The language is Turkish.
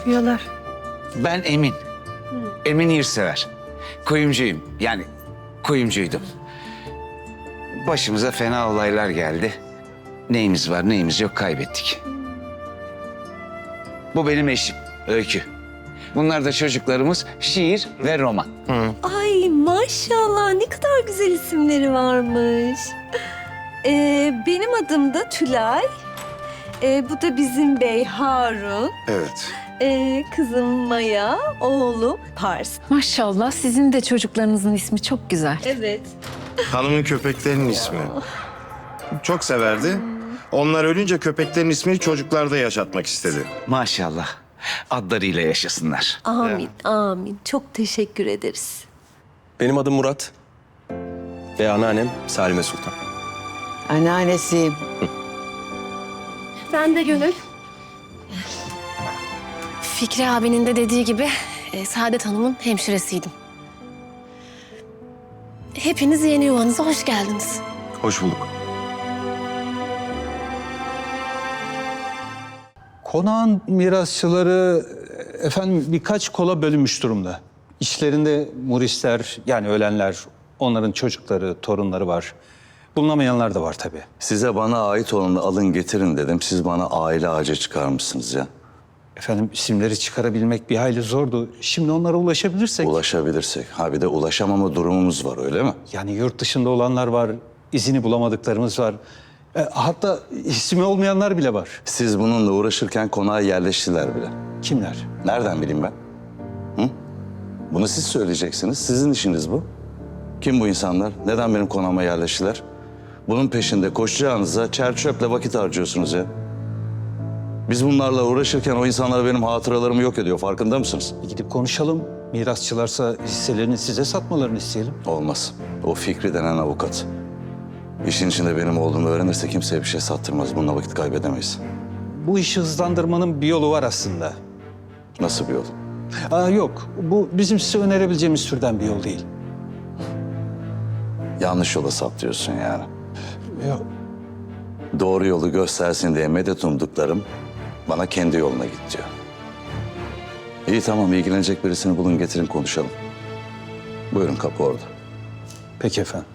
yapıyorlar? Ben Emin. Emin Yurtsever. Kuyumcuyum. Yani kuyumcuydum. Başımıza fena olaylar geldi. Neyimiz var neyimiz yok kaybettik. Bu benim eşim Öykü. Bunlar da çocuklarımız şiir ve roman. Ay maşallah ne kadar güzel isimleri varmış. Benim adım da Tülay. Bu da bizim bey Harun. Evet. Kızım Maya, oğlum Pars. Maşallah sizin de çocuklarınızın ismi çok güzel. Evet. Hanımın köpeklerinin ismi. Çok severdi. Onlar ölünce köpeklerin ismini çocuklarda yaşatmak istedi. Maşallah. Adlarıyla yaşasınlar. Amin, amin. Çok teşekkür ederiz. Benim adım Murat ve anneannem Salime Sultan. Anneannesiyim. Ben de Gönül. Fikri abinin de dediği gibi Saadet Hanım'ın hemşiresiydim. Hepiniz yeni yuvanıza hoş geldiniz. Hoş bulduk. Konağın mirasçıları efendim birkaç kola bölünmüş durumda. İçlerinde Murisler yani ölenler, onların çocukları, torunları var. Bulunamayanlar da var tabii. Size bana ait olanı alın getirin dedim. Siz bana aile ağacı çıkarmışsınız ya. Efendim isimleri çıkarabilmek bir hayli zordu. Şimdi onlara ulaşabilirsek... Ulaşabilirsek. Ha bir de ulaşamama durumumuz var öyle mi? Yani yurt dışında olanlar var, izini bulamadıklarımız var. Hatta ismi olmayanlar bile var. Siz bununla uğraşırken konağa yerleştiler bile. Kimler? Nereden bileyim ben? Hı? Bunu siz söyleyeceksiniz. Sizin işiniz bu. Kim bu insanlar? Neden benim konağıma yerleştiler? Bunun peşinde koşacağınıza çer çöple vakit harcıyorsunuz ya. Biz bunlarla uğraşırken o insanlar benim hatıralarımı yok ediyor. Farkında mısınız? Gidip konuşalım. Mirasçılarsa hisselerini size satmalarını isteyelim. Olmaz. O Fikri denen avukat. İşin içinde benim olduğumu öğrenirse kimseye bir şey sattırmaz. Bununla vakit kaybedemeyiz. Bu işi hızlandırmanın bir yolu var aslında. Nasıl bir yol? Yok, bu bizim size önerebileceğimiz türden bir yol değil. Yanlış yola saptıyorsun yani. Yok. Doğru yolu göstersin diye medet umduklarım bana kendi yoluna git diyor. İyi tamam, ilgilenecek birisini bulun getirin konuşalım. Buyurun, kapı orada. Peki efendim.